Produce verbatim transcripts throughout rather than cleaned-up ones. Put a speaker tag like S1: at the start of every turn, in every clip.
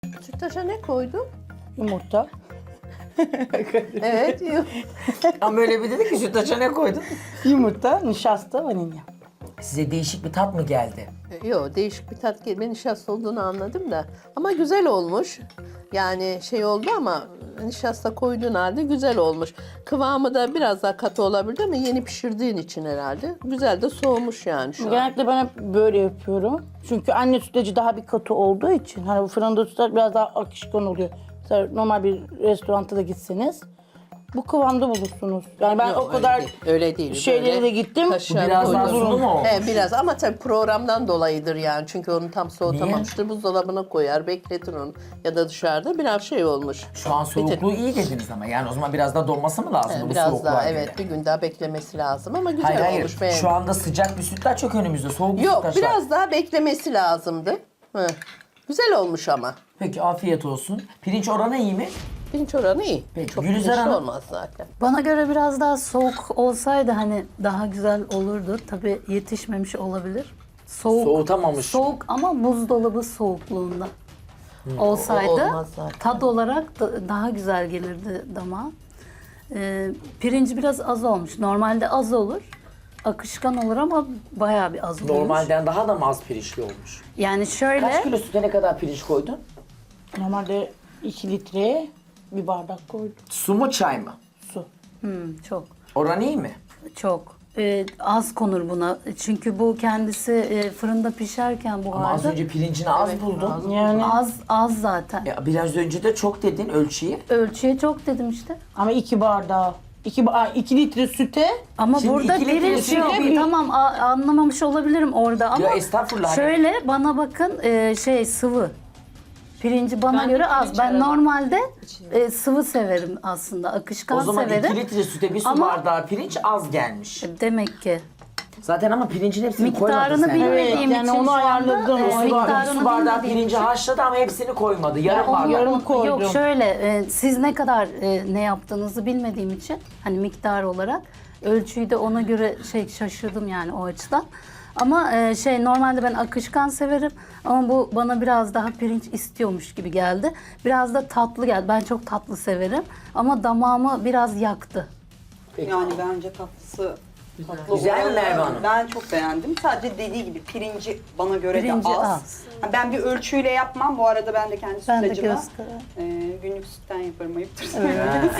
S1: Sütlaça ne koydun?
S2: Yumurta.
S1: Evet. yok.
S3: Ama böyle bir dedi ki sütlaça ne koydun?
S2: Yumurta, nişasta, vanilya.
S3: Size değişik bir tat mı geldi?
S1: Yok, değişik bir tat geldi. Ben nişasta olduğunu anladım da. Ama güzel olmuş. Yani şey oldu ama nişasta koyduğun halde güzel olmuş. Kıvamı da biraz daha katı olabilir ama yeni pişirdiğin için herhalde. Güzel de soğumuş yani şu an.
S2: Genellikle ben hep böyle yapıyorum. Çünkü anne sütlacı daha bir katı olduğu için hani bu fırında sütlaç biraz daha akışkan oluyor. Mesela normal bir restoranta da gitseniz bu kıvamda bulursunuz. Yani ben
S1: Yok,
S2: o kadar
S1: öyle değil, öyle değil.
S2: şeylere
S1: Böyle
S2: de gittim.
S1: kaşar
S3: Biraz daha
S1: koydum.
S3: sulu mu olmuş?
S1: Evet, biraz ama tabii programdan dolayıdır yani. Çünkü onu tam soğutamamıştır. Buzdolabına koyar, bekletir onu. Ya da dışarıda biraz şey olmuş.
S3: Şu an soğukluğu iyi dediniz ama yani o zaman biraz daha donması mı lazım
S1: Yani
S3: bu
S1: biraz
S3: soğukluğa
S1: daha
S3: göre?
S1: evet bir gün daha beklemesi lazım ama güzel
S3: Hayır hayır.
S1: olmuş. Beğendim.
S3: Şu anda sıcak bir sütlaç yok önümüzde. Soğuk bir
S1: Yok
S3: sütlaç
S1: biraz
S3: var.
S1: daha beklemesi lazımdı. Hı. Güzel olmuş ama.
S3: Peki afiyet olsun. Pirinç oranı iyi mi?
S1: Pirinç oranı iyi.
S3: Peki,
S1: Çok
S3: Gülizar
S1: pirinçli
S3: Hanım?
S1: olmaz zaten.
S4: Bana göre biraz daha soğuk olsaydı hani daha güzel olurdu. Tabii yetişmemiş olabilir. Soğuk,
S3: Soğutamamış.
S4: Soğuk ama buzdolabı soğukluğunda olsaydı
S1: o olmaz zaten.
S4: tat olarak da daha güzel gelirdi damağa. Ee, pirinci biraz az olmuş. Normalde az olur. Akışkan olur ama bayağı bir az olmuş.
S3: Normalden daha da mı az pirinçli olmuş?
S4: Yani şöyle
S3: Kaç kilo süte ne kadar pirinç koydun?
S2: Normalde iki litreye bir bardak koydum.
S3: Su mu çay mı?
S2: Su.
S4: hmm, çok
S3: Oran iyi mi?
S4: çok Ee, az konur buna. Çünkü bu kendisi e, fırında pişerken
S3: Ama az
S4: buharda
S3: önce pirincini az buldun.
S2: Yani
S4: az az zaten.
S3: Ya biraz önce de çok dedin ölçüyü.
S4: Ölçüye çok dedim işte.
S2: ama iki bardağı. İki, ba- iki litre süte
S4: Ama
S3: Şimdi
S4: burada
S3: iki litre
S4: pirinç
S3: sütle
S4: yok.
S2: bir-
S4: Tamam a- anlamamış olabilirim orada ama
S3: Ya estağfurullah.
S4: şöyle bana bakın e, şey sıvı. Pirinci bana
S5: Ben de
S4: göre az.
S5: pirinç
S4: Ben
S5: aradım.
S4: normalde e, sıvı severim aslında. Akışkan
S3: O zaman
S4: severim.
S3: iki litre süte bir su
S4: Ama-
S3: bardağı pirinç az gelmiş.
S4: Demek ki.
S3: Zaten ama pirincin hepsini koymadı
S4: Miktarını
S3: sen.
S4: bilmediğim
S2: Evet, yani
S4: için
S2: onu
S4: şu anda
S2: ayarladım.
S4: e,
S2: O
S3: Su, bar-
S4: miktarını
S3: su bardağı
S4: bilmediğim
S3: pirinci
S4: için-
S3: haşladı ama hepsini koymadı. Yarım
S2: onu
S3: bardak.
S2: yarım
S4: Yok
S2: koydum.
S4: şöyle e, siz ne kadar e, ne yaptığınızı bilmediğim için hani miktar olarak ölçüyü de ona göre şey şaşırdım yani o açıdan. Ama e, şey normalde ben akışkan severim ama bu bana biraz daha pirinç istiyormuş gibi geldi. Biraz da tatlı geldi. Ben çok tatlı severim ama damağımı biraz yaktı.
S6: Yani bence tatlısı tatlı
S3: Güzel mi
S6: olanı
S3: Merve Hanım?
S6: Ben çok beğendim. Sadece dediği gibi pirinci bana göre
S4: Pirinci
S6: de az.
S4: az.
S6: Ha, Ben bir ölçüyle yapmam. Bu arada ben de kendi
S4: Ben de
S6: sütlacıma
S4: göz kararı.
S6: e, günlük sütten yaparım ayıptır söylemeniz.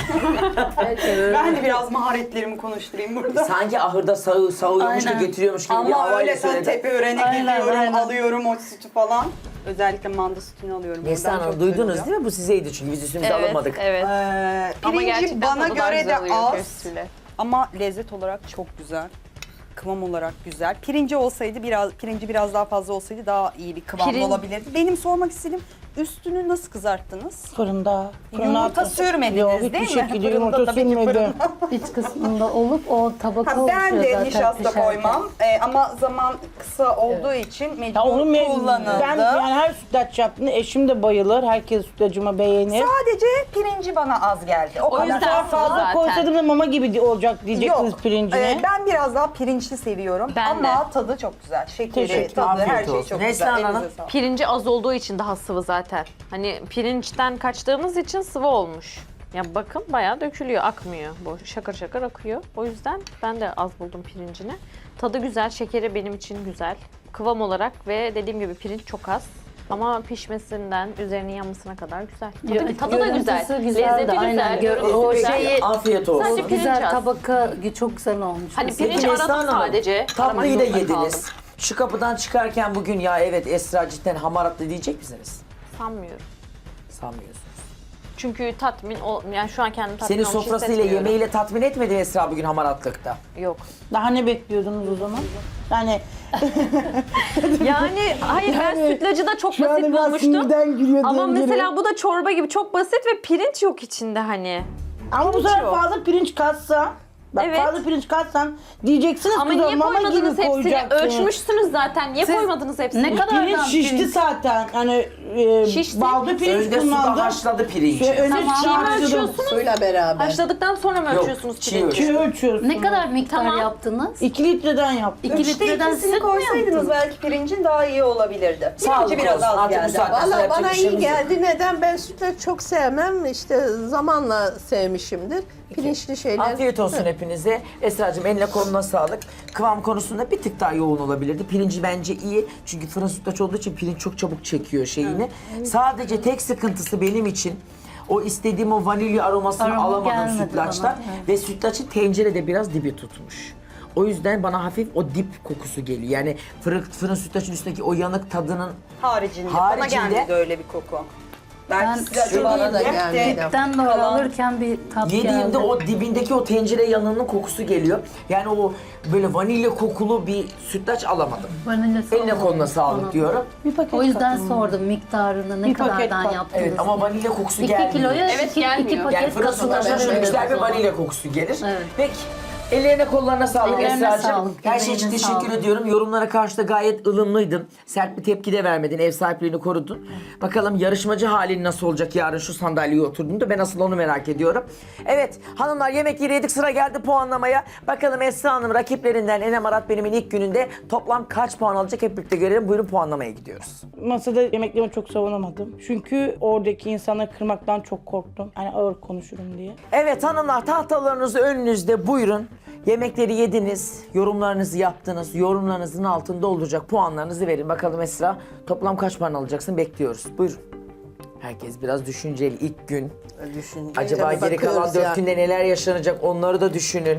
S6: Ben de biraz maharetlerimi konuşturayım burada.
S3: Sanki ahırda sağı, sağıyormuş da
S4: Aynen.
S3: getiriyormuş gibi bir
S6: Ama
S3: havayla
S6: öyle sen
S3: söyledi.
S6: tepe örene
S4: Aynen,
S6: gidiyorum,
S4: aynen.
S6: alıyorum o sütü falan. Özellikle manda sütünü alıyorum.
S3: Neslihan
S6: Oradan
S3: Hanım
S6: çok
S3: duydunuz
S6: güzel
S3: değil mi? Bu sizeydi çünkü biz üstümüze
S5: Evet,
S3: alınmadık.
S5: evet.
S6: Ee,
S5: Ama
S6: pirinci
S5: gerçekten
S6: bana
S5: tadı daha
S6: göre de
S5: güzel oluyor
S6: az.
S5: köftesiyle.
S6: Ama lezzet olarak çok güzel. Kıvam olarak güzel. Pirinci olsaydı biraz pirinci biraz daha fazla olsaydı daha iyi bir kıvamda
S5: Pirin-
S6: olabilirdi. Benim sormak istediğim üstünü nasıl kızarttınız?
S2: Fırında. fırına
S6: Yumurta
S2: attım.
S6: sürmediniz
S2: Yok,
S6: değil mi?
S2: hiçbir şekilde
S6: Fırında
S2: yumurta
S6: tabii ki
S2: sürmedim.
S4: İç kısmında olup o tabaka
S6: Ha, ben
S4: oluşuyor
S6: de
S4: zaten
S6: nişasta
S4: pişerken.
S6: koymam Ee, ama zaman kısa olduğu için mecbur
S2: Ya onu me-
S6: kullanıldı.
S2: ben yani her sütlaç yaptığında eşim de bayılır. Herkes sütlacıma beğenir.
S6: Sadece pirinci bana az geldi. O,
S5: O
S6: kadar.
S5: yüzden
S2: Daha
S5: sıvı
S2: fazla
S5: zaten.
S2: koysaydım da mama gibi di- olacak diyecektiniz
S6: Yok.
S2: pirincine.
S6: Ee, ben biraz daha pirinçli seviyorum
S5: Ben
S6: ama
S5: de.
S6: tadı çok güzel. Şekeri,
S2: Teşekkür,
S6: tadı,
S3: afiyet
S6: her şey
S3: olsun.
S6: çok
S3: Neslihan
S6: güzel.
S3: Hanım?
S6: Elinize sağlık.
S5: Pirinci az olduğu için daha sıvı zaten. Hani pirinçten kaçtığımız için sıvı olmuş. Ya bakın bayağı dökülüyor, akmıyor. Bu şakır şakır akıyor. O yüzden ben de az buldum pirincini. Tadı güzel, şekeri benim için güzel. Kıvam olarak ve dediğim gibi pirinç çok az. Ama pişmesinden üzerinin yanmasına kadar güzel. Tadı,
S4: Ya,
S5: tadı da güzel.
S4: görüntüsü güzeldi,
S5: Lezzeti
S4: aynen.
S5: güzel.
S4: Gör- o
S5: Lezzeti güzel.
S4: şeyi-
S3: Afiyet olsun.
S5: Sadece pirinç
S4: Güzel
S5: az.
S4: tabaka çok güzel olmuş.
S5: Hani
S4: Mesela.
S5: pirinç
S3: Peki
S5: aradım
S3: Neslihan Hanım,
S5: sadece.
S3: tatlıyı da
S5: Aramak zorunda
S3: yediniz.
S5: kaldım.
S3: Şu kapıdan çıkarken bugün ya evet Esra cidden hamaratlı diyecek misiniz?
S5: Sanmıyorum.
S3: Sanmıyorsunuz.
S5: Çünkü tatmin, ol, yani şu an kendimi tatmin
S3: Seni
S5: olmuş
S3: sofrasıyla
S5: hissetmiyorum.
S3: yemeğiyle tatmin etmedi mi Esra bugün hamaratlıkta?
S5: Yok.
S2: Daha ne bekliyordunuz o zaman? Yani
S5: Yani hayır ben
S2: Yani
S5: sütlacı da çok
S2: şu an
S5: basit
S2: biraz
S5: bulmuştum.
S2: sinirden gülüyor
S5: Ama
S2: diyebilirim.
S5: mesela bu da çorba gibi çok basit ve pirinç yok içinde hani.
S2: ama bu
S5: pirinç
S2: sefer
S5: yok.
S2: fazla pirinç katsa Bak
S5: Evet.
S2: fazla pirinç katsan diyeceksiniz
S5: Ama
S2: ki
S5: niye
S2: mama gibi
S5: koymadınız hepsini?
S2: koyacaksınız.
S5: Ölçmüşsünüz zaten. Niye
S4: Siz
S5: koymadınız hepsini?
S4: ne kadar-
S2: Pirinç
S4: Nereden
S2: şişti
S4: pirinç?
S2: zaten. Hani e,
S5: Şişti.
S2: balda pirinç
S3: Önde suda
S2: kullandım.
S3: haşladı pirinci.
S2: Şey, önce
S4: Tamam.
S2: çiğ
S5: Çiğ mi
S2: haşladım.
S5: ölçüyorsunuz?
S1: Suyla beraber.
S5: Haşladıktan sonra mı
S3: Yok,
S5: ölçüyorsunuz
S3: çiğ
S5: pirinci?
S2: Çiğ ölçüyorsun.
S4: Ne kadar miktar
S5: Tamam.
S4: yaptınız?
S2: İki litreden yaptım.
S4: İki
S6: Üçte
S4: litreden
S6: ikisini
S4: süt mü
S6: koysaydınız
S4: yaptınız?
S6: belki pirincin daha iyi olabilirdi.
S3: Sağlık
S6: Pirinci biraz
S3: olsun.
S6: az
S3: Artık bu
S6: geldi.
S3: saatten sonra
S1: Valla
S3: yapacak
S1: bana
S3: bir
S1: iyi
S3: şeyimiz yok.
S1: geldi. Neden? Ben sütlaç çok sevmem. İşte zamanla sevmişimdir. Pirinçli şeyler.
S3: Afiyet olsun hepinize. Esra'cığım eline koluna sağlık. Kıvam konusunda bir tık daha yoğun olabilirdi. Pirinci bence iyi. Çünkü fırın sütlaç olduğu için pirinç çok çabuk çekiyor şeyini. Sadece tek sıkıntısı benim için o istediğim o vanilya aromasını
S4: Aroma
S3: alamadım
S4: gelmedi
S3: sütlaçtan.
S4: bana, evet.
S3: Ve sütlaçın tencerede biraz dibi tutmuş. O yüzden bana hafif o dip kokusu geliyor. Yani fırın, fırın sütlaçın üstündeki o yanık tadının
S6: Haricinde. Bana
S3: Haricinde-
S6: gelmedi öyle bir koku.
S4: Ben
S6: Belki size acaba
S1: bana da
S6: dip de-
S1: gelmedi.
S4: Dipten doğru
S6: Kalan-
S4: alırken bir tat
S3: yediğimde
S4: geldi.
S3: o dibindeki o tencere yanığının kokusu geliyor. Yani o böyle vanilya kokulu bir sütlaç alamadım.
S4: Vanilyası
S3: Eline
S4: olmadı.
S3: koluna sağlık
S4: Ona-
S3: diyorum.
S2: Bir paket
S4: O yüzden
S2: kattım.
S4: sordum miktarını ne
S2: Bir paket
S4: kadardan
S2: kat-
S4: yaptınız.
S3: Evet ama vanilya kokusu
S4: iki
S3: gelmiyor.
S4: kiloya
S5: Evet,
S4: iki,
S5: gelmiyor.
S4: iki paket
S3: Yani fırın
S4: katılır.
S3: sütlaçın
S1: Evet,
S3: güzel bir
S1: evet.
S3: vanilya kokusu gelir.
S4: Evet.
S3: Peki. Ellerine kollarına sağlık
S4: Ellerine
S3: Esra'cığım.
S4: sağlık,
S3: Her şey için
S4: emeğine
S3: teşekkür
S4: sağlık.
S3: ediyorum. Yorumlara karşı da gayet ılımlıydın. Sert bir tepki de vermedin. Ev sahipliğini korudun. Bakalım yarışmacı halin nasıl olacak yarın şu sandalyeye oturduğunda. Ben asıl onu merak ediyorum. Evet hanımlar yemekleri yedik, sıra geldi puanlamaya. Bakalım Esra Hanım rakiplerinden Enem Arat Benim'in ilk gününde toplam kaç puan alacak hep birlikte görelim. Buyurun puanlamaya gidiyoruz.
S2: Masada yemeklerimi çok savunamadım. Çünkü oradaki insanları kırmaktan çok korktum. Yani ağır konuşurum diye.
S3: Evet hanımlar tahtalarınız önünüzde, buyurun. Yemekleri yediniz, yorumlarınızı yaptınız. Yorumlarınızın altında olacak puanlarınızı verin. Bakalım Esra toplam kaç puan alacaksın bekliyoruz. Buyurun. Herkes biraz düşünceli ilk gün.
S1: Düşün.
S3: Acaba
S1: Tabii
S3: geri kalan
S1: bakıyoruz
S3: dört
S1: ya.
S3: günde neler yaşanacak onları da düşünün.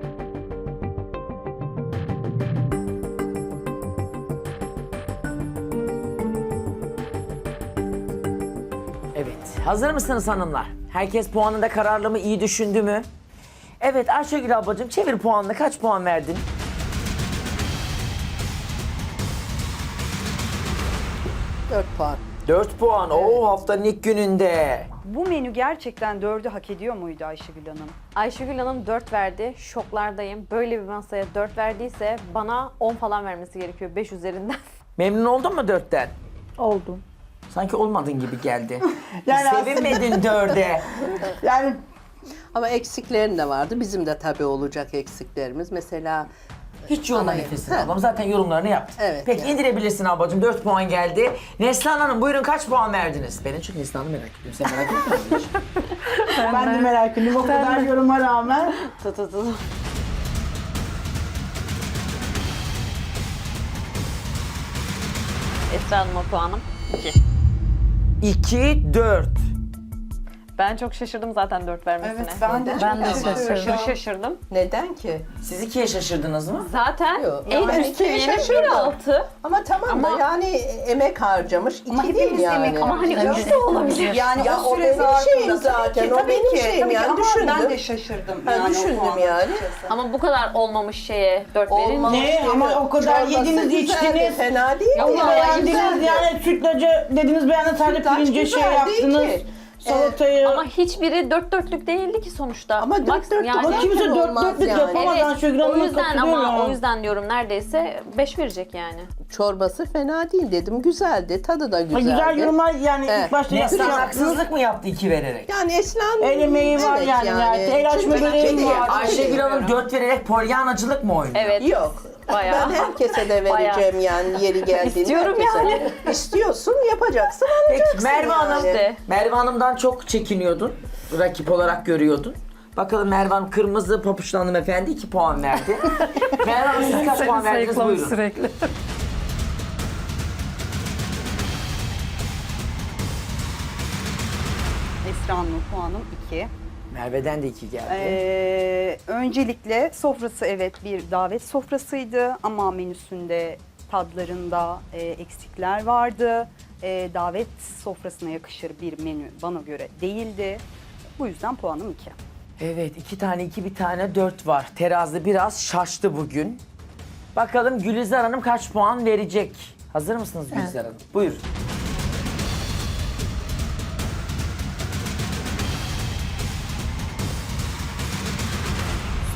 S3: Evet, hazır mısınız hanımlar? Herkes puanında kararlı mı, iyi düşündü mü? Evet Ayşegül ablacığım çevir puanını. Kaç puan verdin?
S1: Dört puan.
S3: dört puan. Oo haftanın ilk gününde.
S6: Bu menü gerçekten dördü hak ediyor muydu Ayşegül Hanım?
S5: Ayşegül Hanım dört verdi. Şoklardayım. Böyle bir masaya dört verdiyse bana on falan vermesi gerekiyor beş üzerinden.
S3: Memnun oldun mu dörtten?
S2: Oldum.
S3: Sanki olmadın gibi geldi.
S2: Yani
S3: Sevinmedin dörde.
S2: Yani
S1: Ama eksiklerin de vardı. Bizim de tabii olacak eksiklerimiz. Mesela
S3: Hiç yorma
S1: Anayım.
S3: nefesini
S1: Ha.
S3: ablam. Zaten yorumlarını yaptın.
S1: Evet,
S3: Peki
S1: yani.
S3: indirebilirsin ablacığım. dört puan geldi. Neslihan Hanım buyurun kaç puan verdiniz? Ben en çok Neslihan'ı merak ediyorum. Sen merak etmiyor musun?
S2: ben de merak ediyorum. O kadar yoruma rağmen.
S5: Tı tı tı. Esra Hanım'a puanım iki.
S3: iki, dört.
S5: Ben çok şaşırdım zaten dört vermesine.
S6: Evet ben de
S4: Ben de
S6: çok
S4: şaşırdım.
S5: Aşırı şaşırdım.
S1: neden ki?
S3: Siz ikiye şaşırdınız mı?
S5: Zaten
S1: Yok.
S5: en
S1: Ben
S5: üst
S1: ikiye
S5: seviyenin
S1: şaşırdım.
S5: bir altı.
S1: Ama tamam
S5: Ama-
S1: da yani emek harcamış.
S6: Ama
S1: İki değil
S6: hepimiz
S1: yani.
S6: emek
S5: Ama hani
S6: harcayacağız.
S5: üç de olabilir.
S6: Yani
S1: Ya
S6: o
S1: o
S6: süre
S1: benim
S6: zarfında
S1: şeyim
S6: tabii
S1: zaten,
S6: ki,
S1: o
S6: tabii
S1: benim
S6: ki,
S1: şeyim
S6: tabii ki.
S1: yani,
S6: Ama
S1: düşündüm.
S6: ben de şaşırdım.
S1: Ben
S6: yani o
S1: düşündüm
S6: puanı
S1: yani.
S6: açıkçası.
S5: Ama bu kadar olmamış şeye dört
S1: Olmaz.
S5: verince.
S2: Ne ama o kadar
S1: Çorbası
S2: yediniz
S1: güzeldi,
S2: içtiniz.
S1: Fena değil.
S5: Yok,
S1: mi?
S5: vallahi
S2: Beğendiniz
S1: Güzeldi.
S2: yani sütlacı dediniz beğendiniz sadece
S1: Sütlaç
S2: pirince şey
S1: güzel değil
S2: yaptınız.
S1: ki.
S2: Salatayı.
S5: Ama hiçbiri dört dörtlük değildi ki sonuçta.
S1: Ama dört
S5: Bak,
S1: dörtlük
S5: yani-
S1: olan-
S2: Kimse dört
S1: olmaz
S2: dörtlük
S1: yani.
S2: yapamaz.
S5: Evet,
S2: Ayşegül
S5: o
S2: Hanım'a
S5: yüzden ama
S2: katılıyorum.
S5: o yüzden diyorum neredeyse beş verecek yani.
S1: Çorbası fena değil dedim. Güzeldi. Tadı da
S2: Ha,
S1: güzeldi.
S2: Güzel yorumlar yani
S1: Evet.
S2: ilk başta
S3: Neslihan
S2: yaptınız.
S3: haksızlık mı yaptı iki vererek?
S1: Yani Eslan...
S2: El emeği var yani, yani. El açma
S1: Çünkü
S2: böreği
S1: kedi-
S2: var.
S3: Ayşegül Hanım dört vererek polyanacılık mı oynuyor?
S5: Evet.
S1: Yok.
S5: Bayağı.
S1: Ben herkese de vereceğim yani yeri geldiğinde.
S5: İstiyorum
S1: herkese.
S5: yani.
S1: İstiyorsun, yapacaksın,
S3: Peki
S1: alacaksın
S3: Merve
S1: yani.
S3: Hanım,
S5: İşte.
S3: Merve Hanım'dan çok çekiniyordun. Rakip olarak görüyordun. Bakalım Merve Hanım kırmızı papuçlu hanımefendi iki puan verdi. Merve Hanım siz kaç puan verdiniz buyurun.
S4: sürekli.
S6: Esra Hanım puanım iki.
S3: Merve'den de iki geldi.
S6: Ee, öncelikle sofrası evet bir davet sofrasıydı ama menüsünde tadlarında e, eksikler vardı. E, davet sofrasına yakışır bir menü bana göre değildi. Bu yüzden puanım iki.
S3: Evet iki tane iki bir tane dört var. Terazi biraz şaştı bugün. Bakalım Gülizar Hanım kaç puan verecek? Hazır mısınız Gülizar Hanım? Buyur.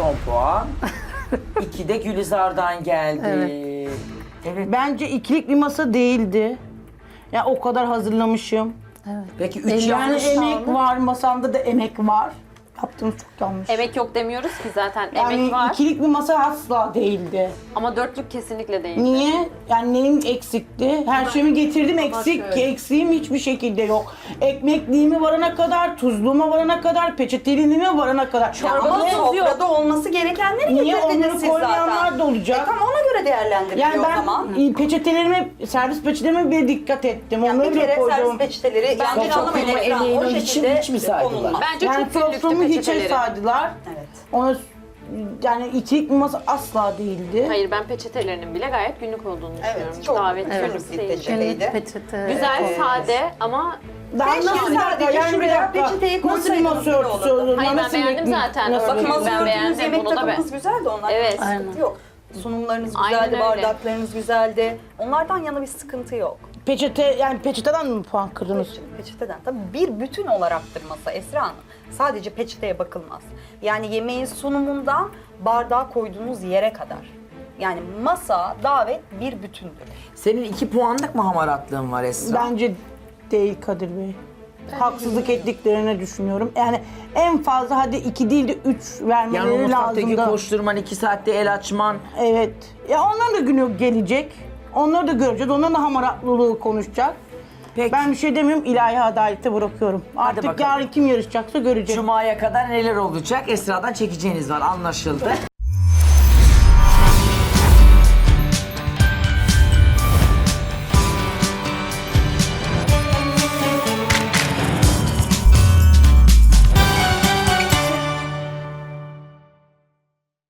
S3: son puan. iki de Gülizar'dan geldi. Evet. evet.
S2: Bence ikilik bir masa değildi. Ya o kadar hazırlamışım.
S3: Peki üç
S2: Yani
S3: yanlış
S2: emek var, masamda da emek var. Yaptığınız çok yanlış.
S5: Emek yok demiyoruz ki zaten.
S2: Yani
S5: Emek var
S2: ikilik bir masa asla değildi.
S5: ama dörtlük kesinlikle değil.
S2: Niye? Yani neyim eksikti? Her şeyimi getirdim eksik.
S1: şöyle.
S2: Eksiğim hiçbir şekilde yok. Ekmekliğime varana kadar, tuzluğuma varana kadar, peçeteliğime varana kadar.
S6: Ya ama
S2: Ve-
S6: sofrada olması gerekenleri
S2: Niye
S6: getirdiniz
S2: onları
S6: siz
S2: koymayanlar
S6: zaten.
S2: da olacak?
S6: E tamam, ona göre değerlendiriliyor
S2: Yani
S6: o
S2: ben
S6: zaman.
S2: e, peçetelerime, servis peçetelerime bile dikkat ettim.
S6: Yani
S2: Onları
S6: bir
S2: bile
S6: kere servis
S2: koydum.
S6: peçeteleri yanlış
S3: çok
S6: anlamayın
S3: benim
S6: Esra,
S3: emeğimi
S6: o
S3: hiç-
S6: şekilde
S3: hiç mi saydılar?
S6: konulmaz.
S5: Bence
S2: Yani
S5: çok büyüktü
S2: soframı hiçe
S5: peçeteleri.
S2: saydılar.
S6: Evet.
S2: Ona yani ikilik bir masa asla değildi.
S5: Hayır, ben peçetelerinin bile gayet günlük olduğunu düşünüyorum.
S6: Evet, çok
S5: Davet
S6: evet.
S5: günlük
S6: Bir
S5: değil.
S6: peçete.
S4: Günlük
S6: Şeyde.
S4: peçete.
S5: Güzel,
S6: Evet.
S5: sade ama
S2: Daha
S6: Keşke
S2: nasıl bir dakika,
S6: sadece
S2: yani bir
S6: şuraya
S2: dakika.
S6: peçeteyi
S2: Nasıl bir
S6: koysaydınız
S2: masa
S6: bile
S2: örtüsü
S6: olurdu.
S2: olur?
S5: Hayır, ben
S2: Nasıl bir-
S5: beğendim zaten.
S2: nasıl
S5: Bakın,
S2: bir-
S6: Bakın masa
S5: Ben
S6: örtünüz,
S5: beğendim,
S6: yemek
S5: bunu da
S6: takımınız güzeldi, onlar
S5: Evet.
S6: sıkıntı
S4: Aynen.
S6: yok. Sunumlarınız
S5: Aynen
S6: güzeldi,
S5: öyle.
S6: bardaklarınız güzeldi. Onlardan yana bir sıkıntı yok.
S2: Peçete, yani peçeteden mi puan kırdınız?
S6: Peçeteden. Tabii bir bütün olaraktır masa Esra Hanım. Sadece peçeteye bakılmaz. Yani yemeğin sunumundan bardağa koyduğunuz yere kadar. Yani masa, davet bir bütündür.
S3: Senin iki puanlık mı hamaratlığın var Esra?
S2: Bence değil Kadir Bey. Haksızlık ettiklerini düşünüyorum. Yani en fazla hadi iki değil de üç
S3: Yani o
S2: vermeleri
S3: mutfaktaki
S2: lazım da.
S3: koşturman, iki saatte el açman.
S2: Evet. Ya onların da günü gelecek. Onları da göreceğiz. Onların da hamaratlılığı konuşacak.
S3: Peki.
S2: Ben bir şey demiyorum. İlahi adalete bırakıyorum. Artık
S3: bakalım.
S2: yarın kim yarışacaksa göreceğiz.
S3: Cuma'ya kadar neler olacak? Esra'dan çekeceğiniz var, anlaşıldı.